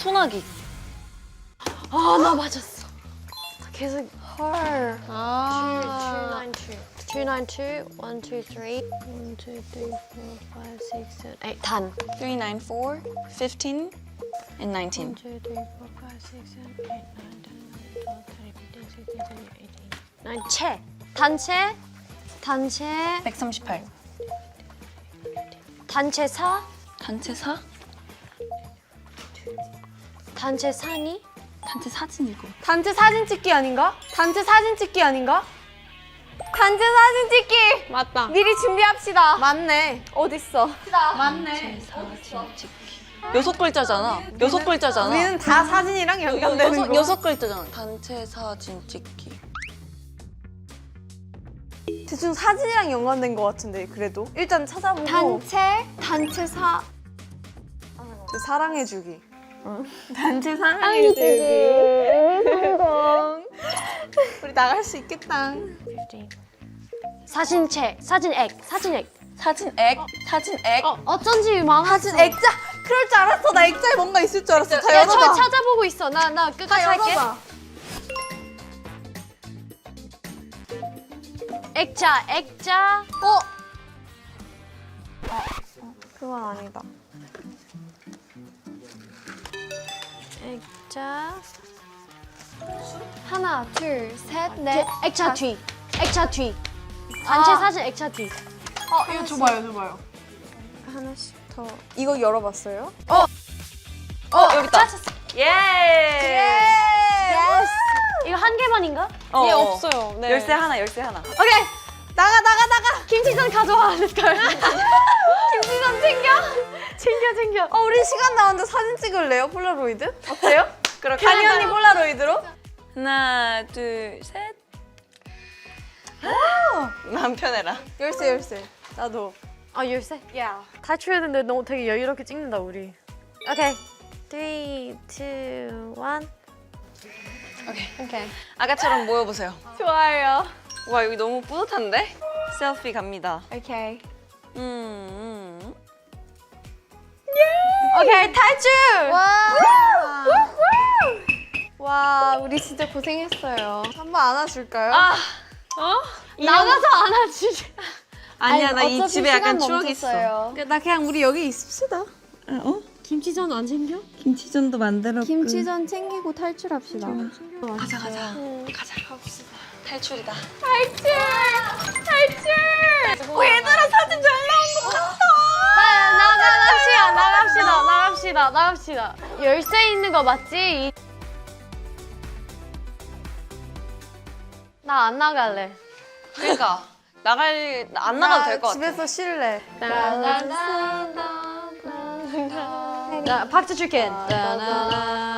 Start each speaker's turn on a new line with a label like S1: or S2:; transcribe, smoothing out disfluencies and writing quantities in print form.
S1: 소나기.
S2: 아, 나 맞았어. 계속
S3: 헐.
S2: 아. 292, 1, 2, 3, 1, 2, 3, 4, 5, 6, 7, 8. 단.
S1: 394, 15, and 19.
S2: 1, 2, 3, 4, 5, 6, 7, 8, 9, 10, 11, 12, 13, 14, 15, 16, 17, 18. 단체.
S1: 138.
S2: 단체사.
S1: 단체사?
S2: 단체사니?
S1: 단체 사진이고.
S3: 단체 사진 찍기 아닌가? 단체 사진 찍기 아닌가? 단체 사진 찍기!
S2: 맞다.
S3: 미리 준비합시다. 맞네. 어딨어?
S1: 단체 사진 찍기. 6글자잖아. 6글자잖아.
S3: 우리는 다 사진이랑 연관되는 거.
S1: 6글자잖아. 단체 사진 찍기.
S3: 대충 사진이랑 연관된 거 같은데 그래도 일단 찾아보고
S2: 단체사.
S3: 사랑해주기.
S1: 단체
S3: 성공. 우리 나갈 수 있겠다.
S2: 사진체, 사진액.
S1: 사진액. 사진액.
S2: 어쩐지 망했어.
S3: 사진 액자. 그럴 줄 알았어. 나 액자에 뭔가 있을 줄 알았어. 다
S2: 야, 저
S3: 열어봐.
S2: 찾아보고 있어. 나 끝까지
S3: 다
S2: 할게.
S3: 열어봐.
S2: 액자.
S3: 그건 아니다.
S2: 액자.
S3: 하나, 둘, 셋, 넷.
S2: 액자 뒤. 단체
S3: 아.
S2: 사진 액자 뒤.
S3: 이거 줘봐요. 하나씩 더. 이거 열어봤어요?
S1: 여기 있다. 예.
S2: 이거 한 개만인가?
S1: 예,
S3: 없어요. 네.
S1: 열쇠 하나.
S3: 오케이. 나가.
S2: 김치전 가져와. 렛츠고.
S3: 김치전 챙겨. 우리 시간 나왔는데 사진 찍을래요? 폴라로이드? 어때요?
S1: 그렇게
S3: 간이 언니 폴라로이드로?
S1: 하나, 둘, 셋. 난 편해라.
S3: 열쇠. 나도.
S2: 아, 열쇠?
S3: 야.
S2: 탈출해야 되는데 너무 되게 여유롭게 찍는다, 우리. 오케이. 3, 2, 1.
S1: 오케이. 아까처럼 모여보세요.
S3: 좋아요.
S1: 와, 여기 너무 뿌듯한데? 셀피 갑니다.
S3: 오케이.
S2: 오케이, 탈출!
S3: 와, 우리 진짜 고생했어요. 한 번 안아줄까요?
S2: 나가서 안아주지.
S1: 아니야, 나 이
S3: 어차피
S1: 집에 약간
S3: 시간
S1: 추억이 있어.
S3: 멈췄어요. 나 그냥 우리 여기 있읍시다.
S2: 김치전 안 챙겨?
S1: 김치전도 만들었고.
S3: 김치전 챙기고 탈출합시다.
S1: 가자. 갑시다. 탈출이다.
S3: 얘들아 사진 잘 나온 것 같아.
S2: 나갑시다. 열쇠 있는 거 맞지? 나 안 나갈래.
S1: 그러니까 안 나가도 될 것 같아.
S3: 집에서 쉴래.
S2: 나 박수 줄게.